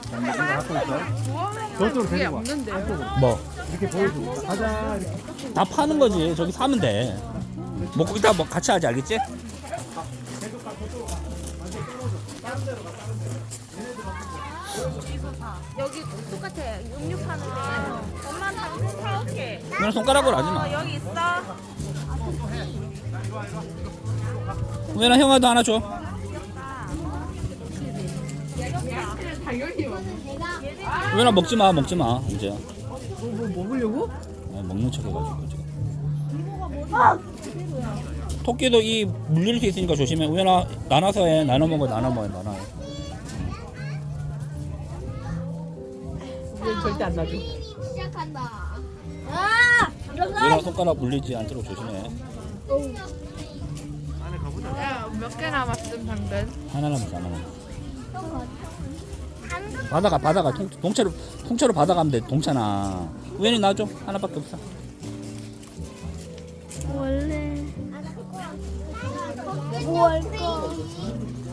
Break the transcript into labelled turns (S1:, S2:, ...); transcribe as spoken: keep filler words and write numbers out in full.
S1: 저쪽으로
S2: 그게
S1: 데리고 와.
S2: 없는데.
S3: 뭐?
S1: 이렇게 보여주고. 가자. 이렇게.
S3: 다 파는 거지. 저기 사면 돼. 먹고 이따 뭐 같이 하지, 알겠지?
S4: 여기 똑같아. 육육 파는데. 엄마 당근 사올게.
S3: 그냥 손가락으로 하지
S4: 어,
S3: 마.
S4: 여기 있어.
S3: 우연아 형아도 하나 줘. 우연아 먹지 마, 먹지 마. 이제.
S2: 뭐, 뭐 먹으려고?
S3: 아, 먹는 척 해가지고 지금. 토끼도 이 물릴 수 있으니까 조심해. 우연아 나눠서 해. 나눠 먹어, 나눠 먹어, 나눠 해.
S2: 얘 절대 안 놔줘.
S4: 시작한다. 아!
S3: 우연아 손가락 물리지 않도록 조심해.
S2: 야, 몇 개 남았음, 당근?
S3: 하나 남았어, 하나 남았어. 받아가, 받아가. 통, 통째로, 통째로 받아가면 돼. 동차나. 우연히 놔줘. 하나밖에 없어.
S4: 원래 뭐 할까?